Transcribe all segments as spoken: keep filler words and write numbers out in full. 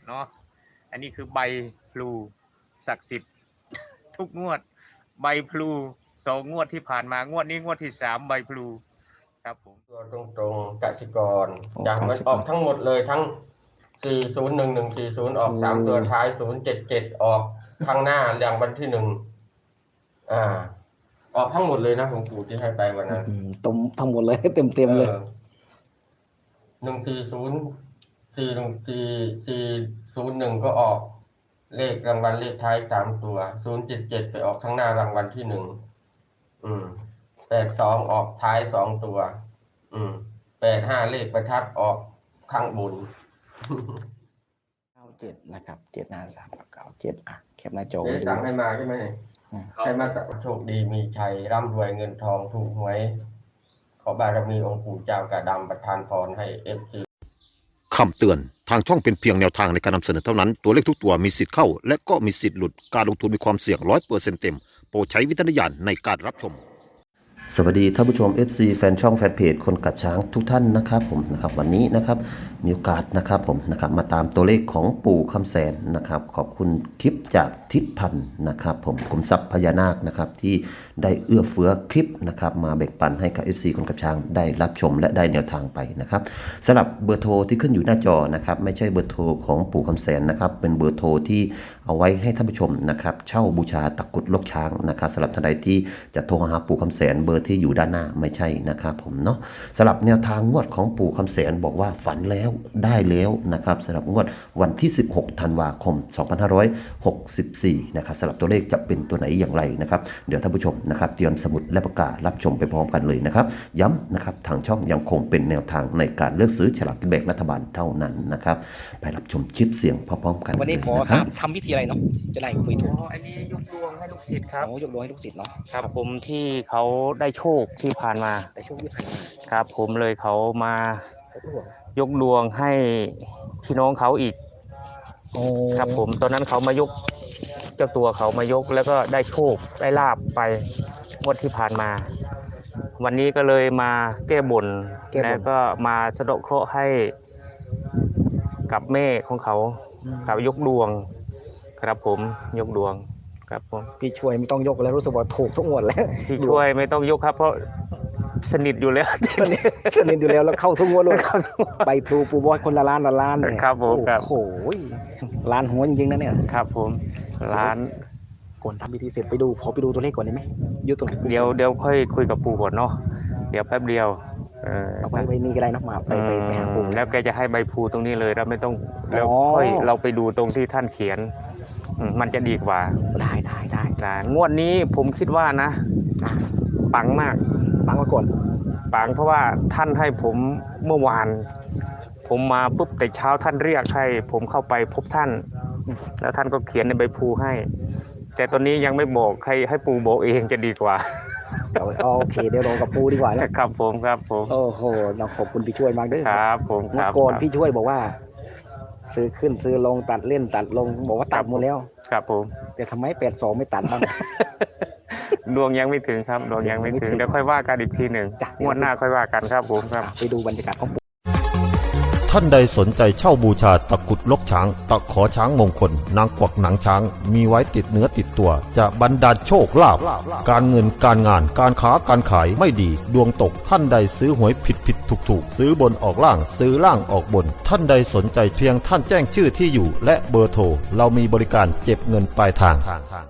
เนาะอันนี้คือใบพลูศักดิ์สิทธิ์ทุกงวดใบพลูสองงวดที่ผ่านมางวดนี้งวดที่สามใบพลูครับผมตัวตรงๆกสิกรอย่างมันออกทั้งหมดเลยทั้งสี่ศูนย์หนึ่งหนึ่งสี่ศูนย์ออกสามตัวท้ายศูนย์เจ็ดเจ็ดออกข้างหน้าอย่างวันที่หนึ่งอ่าออกทั้งหมดเลยนะหลวงปู่ที่ให้ไปวันนั้นตรงทั้งหมดเลยเต็มเต็มเลยหนึ่งสี่ศูนย์สี่หนึ่งสี่สี่ศูนย์หนึ่งก็ออกเลขรางวัลเลขท้ายสามตัวศูนย์เจ็ดเจ็ดไปออกข้างหน้ารางวัลที่หนึ่งอืมแปดสองออกท้ายสองตัวอืมแปดห้าเลขประทัดออกข้างบนเก้าเจ็ดนะครับเจ็ดห้าสามเก้าเจ็ดอ่ะแคปหน้าจอเดี๋ยวสั่งให้มาใช่ไหมให้มาโชคดีมีชัยร่ำรวยเงินทองถูกหวยขอบารมีองค์ปู่เจ้ากระดำประทานพรให้เอฟซีคำเตือนทางช่องเป็นเพียงแนวทางในการนำเสนอเท่านั้นตัวเลขทุกตัวมีสิทธิ์เข้าและก็มีสิทธิ์หลุดการลงทุนมีความเสี่ยงร้อยเปอร์เซ็นต์เต็มโปรดใช้วิจารณญาณในการรับชมสวัสดีท่านผู้ชม เอฟ ซี แฟนช่องแฟนเพจคนกัดช้างทุกท่านนะครับผมนะครับวันนี้นะครับมีโอกาสนะครับผมนะครับมาตามตัวเลขของปู่คำแสนนะครับขอบคุณคลิปจากทิศพันธ์นะครับผมกรมทรัพย์พญานาคนะครับที่ได้เอื้อเฟื้อคลิปนะครับมาแบ่งปันให้กับ เอฟ ซี คนกัดช้างได้รับชมและได้แนวทางไปนะครับสำหรับเบอร์โทรที่ขึ้นอยู่หน้าจอนะครับไม่ใช่เบอร์โทรของปู่คำแสนนะครับเป็นเบอร์โทรที่เอาไว้ให้ท่านผู้ชมนะครับเช่าบูชาตะกุดลกช้างนะครับสำหรับท่านใดที่จะโทรหาปู่คำแสนเบอร์ที่อยู่ด้านหน้าไม่ใช่นะครับผมเนาะสำหรับแนวทางงวดของปู่คำแสนบอกว่าฝันแล้วได้แล้วนะครับสำหรับงวดวันที่สิบหกธันวาคมสองพันห้าร้อยหกสิบสี่นะครับสำหรับตัวเลขจะเป็นตัวไหนอย่างไรนะครับเดี๋ยวท่านผู้ชมนะครับเตรียมสมุดและปากการับชมไปพร้อมกันเลยนะครับย้ำนะครับทางช่องยังคงเป็นแนวทางในการเลือกซื้อฉลากกินแบ่งรัฐบาลเท่านั้นนะครับไปรับชมคลิปเสียงพร้อมๆกันวันนี้ขอทำพิธีอะไรเนาะจะได้คุยถูกอันนี้ยกดวงให้ลูกศิษย์ครับโอ้ยกดวงให้ลูกศิษย์เนาะครับผมที่เขาได้โชคที่ผ่านมาได้โชคที่ผ่านมาครับผมเลยเขามายกดวงให้พี่น้องเขาอีกครับผมตอนนั้นเขามายกเจ้าตัวเขามายกแล้วก็ได้โชคได้ลาบไปงวดที่ผ่านมาวันนี้ก็เลยมาแก้บนแล้วก็มาสะดาะเคราะห์ให้กับแม่ของเขาเขายกดวงครับผมยกดวงครับผมพี่ช่วยไม่ต้องยกแล้วรู้สึกว่าถูกทุกงวดแล้วพี่ช่วยไม่ต้องยกครับเพราะสนิทอยู่แล้วสนิทอยู่แล้วแล้วเข้าทุกงวดเลยใบพลูปูบอยคนละล้านละล้านเนี่ยครับผมครับโอ้โหล้านหัวจริงๆนะเนี่ยครับผมล้านก่อนทำพิธีเสร็จไปดูขอไปดูตัวเลขก่อนได้ไหมยุตรงเดี๋ยวเดี๋ยวค่อยคุยกับปู่ก่อนเนาะเดี๋ยวแป๊บเดียวเออเอาไปไปนี่ก็ได้นะมาไปไปไปหาปู่แล้วแกจะให้ใบพลูตรงนี้เลยเราไม่ต้องแล้วค่อยเราไปดูตรงที่ท่านเขียนมันจะดีกว่าได้ได้ได้ได้งวดนี้ผมคิดว่านะปังมากปังมาก่อนปังเพราะว่าท่านให้ผมเมื่อวานผมมาปุ๊บแต่เช้าท่านเรียกให้ผมเข้าไปพบท่านแล้วท่านก็เขียนในใบพลูให้แต่ตอนนี้ยังไม่บอกใครให้ปู่บอกเองจะดีกว่าโอเคเดี๋ยวรอกับปู่ดีกว่านะครับผมครับผมโอ้โหเราขอบคุณพี่ช่วยมากด้วยครับผมครับก่อนพี่ช่วยบอกว่าซื้อขึ้นซื้อลงตัดเล่นตัดลงบอกว่าตัดหมดแล้วครับผมแต่ทำไมแปดสองไม่ตัดบ้างดวงยังไม่ถึงครับดวงยังไม่ถึงเดี๋ยวค่อยว่ากันอีกทีหนึ่งงวดหน้าค่อยว่ากันครับผมครับไปดูบรรยากาศของท่านใดสนใจเช่าบูชาตะกุดลกช้างตะขอช้างมงคลนางกวักหนังช้างมีไว้ติดเนื้อติดตัวจะบรรดาลโชคลาภการเงินการงานการค้าการขายไม่ดีดวงตกท่านใดซื้อหวยผิดผิดถูกถูกซื้อบนออกล่างซื้อล่างออกบนท่านใดสนใจเพียงท่านแจ้งชื่อที่อยู่และเบอร์โทรเรามีบริการเก็บเงินปลายทาง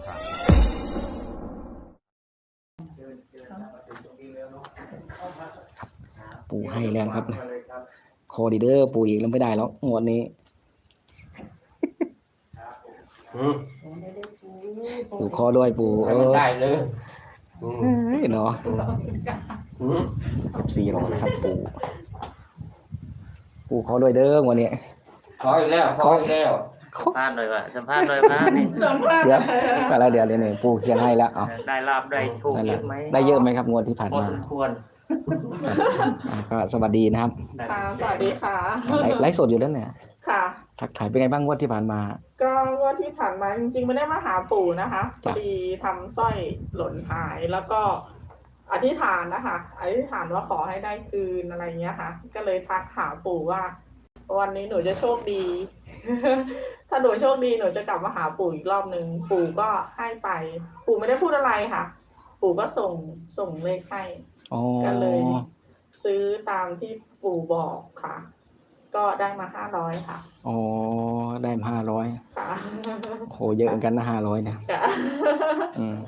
ปู่ให้แล้วครับคอดีเดอร์ปู่อีกแล้วไม่ได้แล้วงวดนี้ปู่คอด้วยปู่เออได้เลยเนาะกับสี่หรอนะครับปู่ปู่คอด้วยเด้องวดนี้คออีกแล้วคออีกแล้วสัมภาษณ์เลยว่ะสัมภาษณ์เลยว่ะนี่เดี๋ยวอะไรเดี๋ยวเดี๋ยวนี่ปู่เขียนให้แล้วได้ลาบได้โชคเยอะไหมได้เยอะไหมครับงวดที่ผ่านมาพอสมควรก็สวัสดีนะครับค่ะสวัสดีค่ะไลฟ์สดอยู่แล้วเนี่ยค่ะทักทายเป็นไงบ้างงวดที่ผ่านมาก็งวดที่ผ่านมาจริงๆไม่ได้มาหาปู่นะคะพอดีทำสร้อยหล่นหายแล้วก็อธิษฐานนะคะอธิษฐานว่าขอให้ได้คืนอะไรเงี้ยค่ะก็เลยทักหาปู่ว่าวันนี้หนูจะโชคดีถ้าหนูโชคดีหนูจะกลับมาหาปู่อีกรอบหนึ่งปู่ก็ให้ไป ปู่ไม่ได้พูดอะไรค่ะ ปู่ก็ส่งส่งเลขให้อ๋อก็เลย ซื้อตามที่ปู่บอกค่ะ ก็ได้มาห้าร้อยค่ะอ๋อได้ห้าร้อยค่ะโหเยอะเหมือนกันนะห้าร้อยเนี่ยค่ะอืม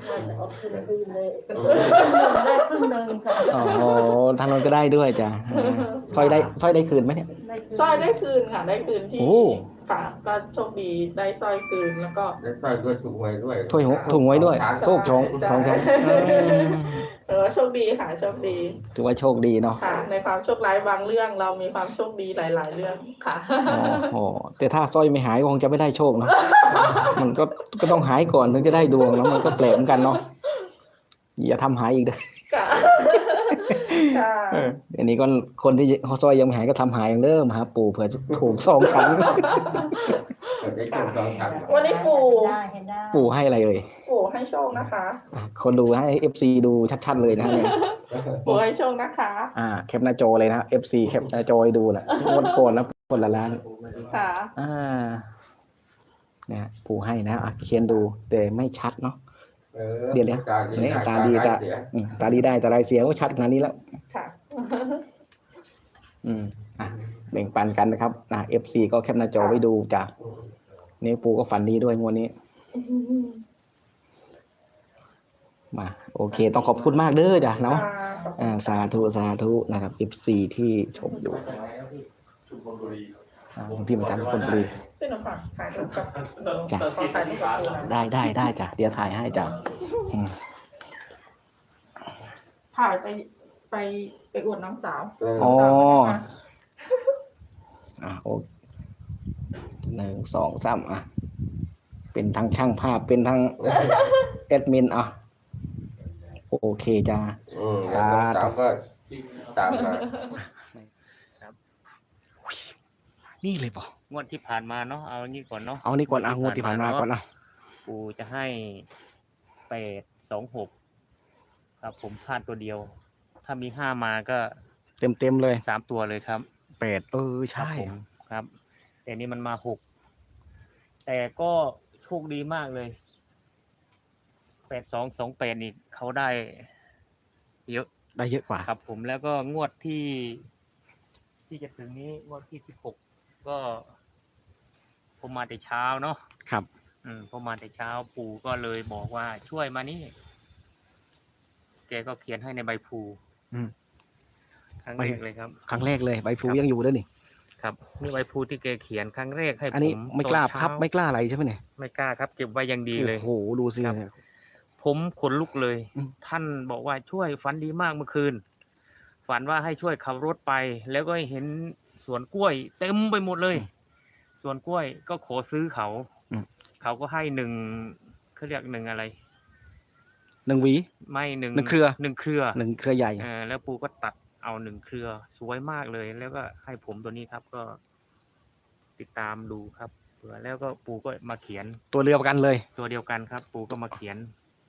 ได้ครึ่งหนึ่งค่ะอ๋อทางโน้นก็ได้ด้วยจ้ะเออสร้อยได้สร้อยได้คืนไหมเนี่ยสร้อยได้คืนค่ะ ได้คืนที่โอ้ค่ะ ก็โชคดีได้สร้อยคืนแล้วก็ได้สร้อยด้วยถูกหวยด้วยถ้วยหัวถุงไว้ด้วย โชคชงสองชั้นอืมเออโชคดีค่ะโชคดีถือว่าโชคดีเนาะค่ะ ในความโชคร้ายบางเรื่องเรามีความโชคดีหลาย ๆ เรื่องค่ะโอ้โหแต่ถ้าสร้อยไม่หายคงจะไม่ได้โชคเนาะ มันก็ก็ต้องหายก่อนถึงจะได้ดวงแล้วมันก็แปลกเหมือนกันเนาะอย่าทำหายอีกเด้อค่ะค่ะเออเดี๋ยวนี้ก็คนที่เขาสร้อยยังไม่หายก็ทำหายอย่างเดิมหาปู่เผื่อจะถูกสองชั้นเปิดได้ถูกสองชั้นวันนี้ปู่ได้เห็นได้ปู่ให้อะไรเอ่ยปู่ให้โชคนะคะอ่ะคนดูให้ เอฟ ซี ดูชัดๆเลยนะเนี่ยปู่ให้โชคนะคะอ่าแคปหน้าจอเลยนะ เอฟ ซี แคปหน้าจอให้ดูนะงวดก่อนแล้วคนละล้านค่ะอ่าเนี่ยปู่ให้นะอ่ะเขียนดูแต่ไม่ชัดเนาะออเดี๋ยวนะตาดีเนี่ยได้ตาดีตาเสียอืมตาดีได้แต่ลายเสียงก็ชัดขนาดนี้แล้วค่ะอืมอ่ะแบ่งปันกันนะครับอ่ะ เอฟ ซี ก็แคปหน้าจอไว้ดูจ้ะนี่ปู่ก็ฝันดีด้วยงวดนี้มาโอเค ต้องขอบคุณมากเด้อจ้ะเนาะ อ่าสาธุสาธุนะครับ เอฟ ซี ที่ชมอยู่อ่าพี่มาจากชลบุรีพี่หนุ่มฝากถ่ายรูปกับเดี๋ยวจ้ะเดี๋ยวขอถ่ายรูปกับปู่หน่อยได้ได้ได้จ้ะเดี๋ยวถ่ายให้จ้ะอืมถ่ายไปไปไปอวดน้องสาวเอออ๋อน้องสาวนะคะอ่ะโอหนึ่งสองสามอ่ะเป็นทั้งช่างภาพเป็นทั้งแอดมินอ่ะโอเคจ้าอืมสาธุสาวก็ตามมานี่เลยป่ะงวดที่ผ่านมาเนาะเอาอันนี้ก่อนเนาะเอานี่ก่อนอ่ะงวดที่ผ่านมาก่อนอ่ะปู่จะให้แปดสองหกครับผมพลาดตัวเดียว ถ้ามีห้ามาก็เต็มเต็มๆเลยสามตัวเลยครับแปดเออใช่ครับผมครับ แต่นี่มันมาหกแต่ก็โชคดีมากเลยแปดสองสองแปดนี่เขาได้เยอะได้เยอะกว่าครับผมแล้วก็งวดที่ ที่จะถึงนี้งวดที่สิบหกก็ผมมาแต่เช้าเนาะครับอืมผมมาแต่เช้าปู่ก็เลยบอกว่าช่วยมานี่แกก็เขียนให้ในใบพลูอืมครั้งแรกเลยครับครั้งแรกเลยใบพลูครับยังอยู่ด้วยนี่ครับนี่ใบพลูที่แกเขียนครั้งแรกให้อันนี้ผมไม่กล้าตอนเช้พับไม่กล้าอะไรใช่ไหมเนี่ยไม่กล้าครับ เก็บไว้อย่างดีเลยโอ้โหดูสิครับ ผมขนลุกเลยอืมท่านบอกว่าช่วยฝันดีมากเมื่อคืน ฝันว่าให้ช่วยขับรถไป แล้วก็เห็นสวนกล้วย เต็มไปหมดเลยสวนกล้วยก็ขอซื้อเขาอืมเขาก็ให้หนึ่งเขาเรียกหนึ่งอะไรหนึ่งหวีไม่หนึ่งหนึ่งเครือหนึ่งเครือหนึ่งเครือใหญ่เออแล้วปูก็ตัดเอาหนึ่งเครือสวยมากเลย แล้วก็ให้ผมตัวนี้ครับ ก็ติดตามดูครับเผื่อแล้วก็ปูก็มาเขียนตัวเรือประกันเลยตัวเดียวกันครับ ปูก็มาเขียน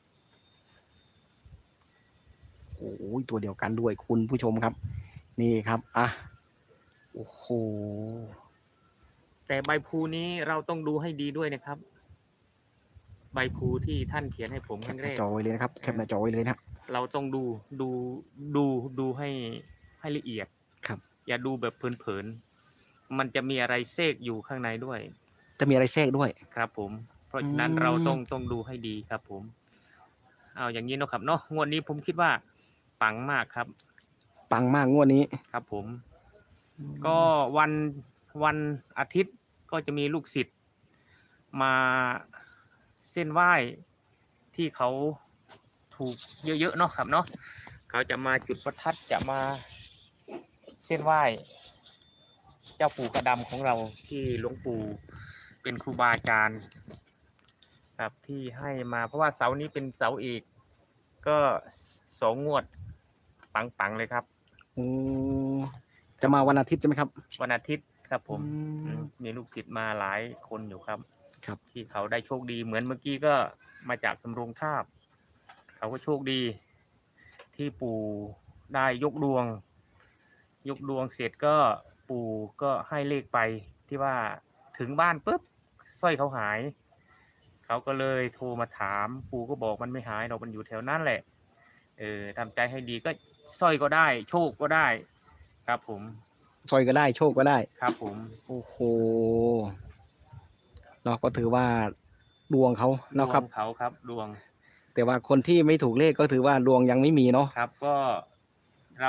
โอ้ยตัวเดียวกันด้วยคุณผู้ชมครับ นี่ครับอ่ะโอ้โหแต่ใบพลูนี้เราต้องดูให้ดีด้วยนะครับ ใบพลูที่ท่านเขียนให้ผมแคครั้ปงหแรน้าก จอไว้เลยนะครับแคปหน้าจอไว้เลยนะเราต้องดูดูดูดูให้ให้ละเอียดครับอย่าดูแบบเพลินๆมันจะมีอะไรเซกอยู่ข้างในด้วยจะมีอะไรแทรกด้วยครับ ผม เพราะฉะนั้นอืมเราต้องต้องดูให้ดีครับ ผม เอาอย่างนี้เนาะครับเนาะงวดนี้ผมคิดว่าปังมากครับปังมากงวดนี้ครับ ผม ก็วันวันอาทิตย์ก็จะมีลูกศิษย์มาเส้นไหว้ที่เขาถูกเยอะๆเนาะครับเนาะเขาจะมาจุดประทัดจะมาเส้นไหว้เจ้าปู่กระดำของเราที่หลวงปู่เป็นครูบาอาจารย์ครับที่ให้มาเพราะว่าเสานี้เป็นเสาเอกก็สองงวดปังๆเลยครับโอ้จะมาวันอาทิตย์ใช่ไหมครับวันอาทิตย์ครับผมอืมอืมมีลูกศิษย์มาหลายคนอยู่ครับครับที่เขาได้โชคดีเหมือนเมื่อกี้ก็มาจากสำโรงทาบเขาก็โชคดี ที่ปู่ได้ยกดวง ยกดวงเสร็จก็ปู่ก็ให้เลขไปที่ว่าถึงบ้านปุ๊บสร้อยเขาหายเขาก็เลยโทรมาถามปู่ก็บอกมันไม่หายหรอกมันอยู่แถวนั้นแหละเออทำใจให้ดีก็สร้อยก็ได้โชคก็ได้ ครับผมซอยก็ได้โชคก็ได้ครับผมโอ้โหเราก็ถือว่าดวงเขาเนาะครับดวงเขาครับดวงแต่ว่าคนที่ไม่ถูกเลขก็ถือว่าดวงยังไม่มีเนาะครับก็เรา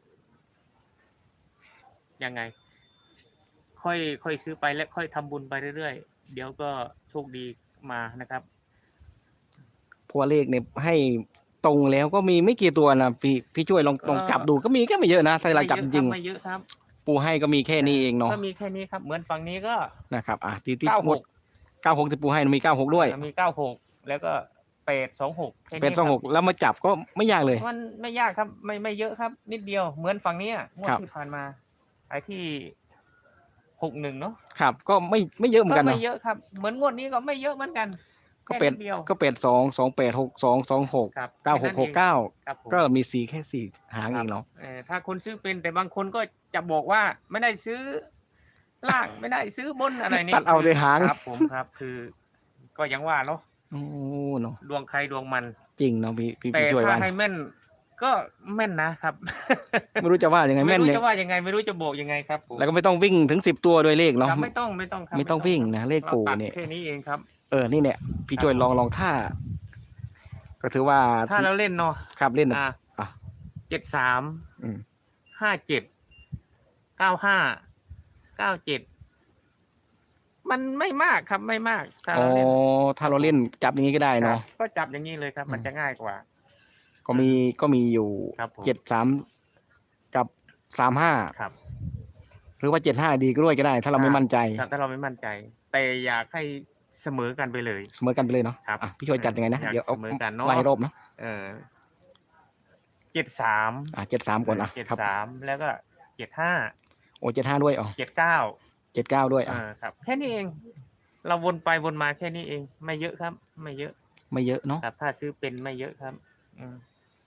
ยังไง ค่อยค่อยซื้อไปและค่อยทำบุญไปเรื่อยๆเดี๋ยวก็โชคดีมานะครับเพราะว่าเลขเนี่ยให้ตรงแล้วก็มีไม่กี่ตัวนะพี่พี่ช่วยลองลองจับดูก็มีแค่ไม่เยอะนะถ้าเราจับจริงไม่เยอะครับๆปูให้ก็มีแค่นี้เองเนาะก็มีแค่นี้ครับ เหมือนฝั่งนี้ก็นะครับอ่ะที่ที่เก้าหหมดกเก้าหกที่ปูให้มีเก้าหกด้วยมีเก้าหกแล้วก็แปดสองหกเป็นสองหกแล้วมาจับก็ไม่ยากเลยมันไม่ยากครับ ไม่ไม่เยอะครับ นิดเดียวเหมือนฝั่งนี้อะงวดครับที่ผ่านมาไอ้ที่หกหนึ่งเนาะครับก็ไม่ไม่เยอะเหมือนก็กันไม่เนาะเยอะครับ เหมือนงวดนี้ก็ไม่เยอะเหมือนกันก็เป็ดแค่นิดเดียวก็เป็ดสองสองแปดหกสองสองหกครับเก้าหกหกเก้าครับผมก็มีสีแค่สี่หางเองเนาะเออถ้าคนซื้อเป็นแต่บางคนก็จะบอกว่าไม่ได้ซื้อล่างไม่ได้ซื้อบนอะไรนี่ตัดเอาแต่หางครับผมครับ คือ ก็ยังว่าเนาะโอ้เนาะดวงใครดวงมันจริงเนาะพี่พี่แต่พี่ช่วยถ้าว่าให้แม่น ก็แม่นนะครับไม่รู้จะว่ายังไงไม่แม่นรู้เลยจะว่ายังไงไม่รู้จะบอกยังไงครับผมแล้วก็ไม่ต้องวิ่งถึงสิบตัวด้วยเลขเนาะครับไม่ต้องไม่ต้องครับไม่ต้องวิ่งนะเลขปู่ราตัดเนี่ยแค่นี้เองครับเออนี่เนี่ยพี่ช่วยครับลองลองท่า ก็ถือว่าถ้าเราเล่นเนาะครับเล่นอ่ะอ่ะเจ็ดสามอืมห้าเจ็ดเก้าห้าเก้าเจ็ดมันไม่มากครับไม่มากถ้าอ๋อเราเล่นถ้าเราเล่นจับอย่างนี้ก็ได้เนาะครับก็จับอย่างนี้เลยครับ มันอืมจะง่ายกว่าก็มีก็มีอยู่ครับผมเจ็ดสามกับสามห้าครับหรือว่าเจ็ดห้าดีก็ด้วยก็ได้ ถ้าเราไม่มั่นใจครับถ้าเราไม่มั่นใจ แต่อยากให้เสมอกันไปเลยเสมอกันไปเลยเนาะครับอ่ะพี่ช่วยจัดยังไงนะอยากเดี๋ยวเอาเสมอกันเนาะไล่รอบนะเออเจ็ดสามอ่ะเจ็ดสามก่อนอ่ะเจ็ดครับสามแล้วก็เจ็ดห้าโอ้เจ็ดห้าด้วยอ๋อเจ็ดเก้าเจ็ดเก้าด้วยเออ่ะอครับ แค่นี้เอง เราวนไปวนมาแค่นี้เอง ไม่เยอะครับ ไม่เยอะไม่เยอะเนาะครับ ถ้าซื้อเป็นไม่เยอะครับ อืม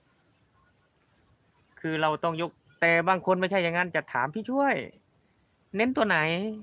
คือเราต้องยก แต่บางคนไม่ใช่อย่างนั้นจะถามพี่ช่วย เน้นตัวไหน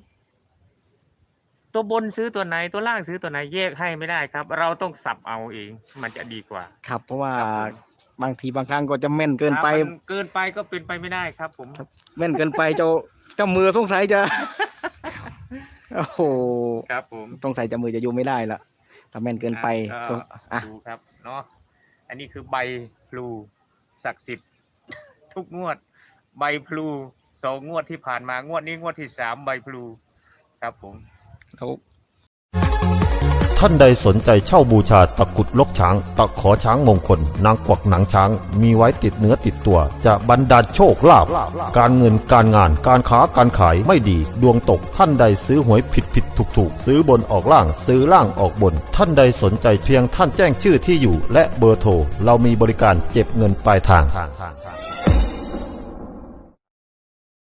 ตัวบนซื้อตัวไหน ตัวล่างซื้อตัวไหนแยกให้ไม่ได้ครับ เราต้องสับเอาเอง มันจะดีกว่าครับ เพราะว่าครับผมบางทีบางครั้งก็จะแม่นเกินไปครับมันเกินไปก็เป็นไปไม่ได้ครับ ผมแม่นเกินไปเจ้าเจ้ามือสงสัยจะ โอ้โหครับผมสงสัยเจ้ามือจะอยู่ไม่ได้ละถ้าแม่นเกินไปอ่ะก็ก็อ่ะดูครับเนาะอันนี้คือใบพลูศักดิ์สิทธิ์ ทุกงวด ใบพลูสองงวดที่ผ่านมางวดนี้งวดที่สามใบพลูครับผมแล้วท่านใดสนใจเช่าบูชาตะกรุดลกช้าง ตะขอช้างมงคล นางกวักหนังช้าง มีไว้ติดเนื้อติดตัว จะบรรดาลโชคลาภการเงินการงานการค้าการขายไม่ดี ดวงตกท่านใดซื้อหวยผิดผิดถูกถูกซื้อบนออกล่างซื้อล่างออกบน ท่านใดสนใจเพียงท่านแจ้งชื่อที่อยู่ และเบอร์โทรเรามีบริการเก็บเงินปลายทาง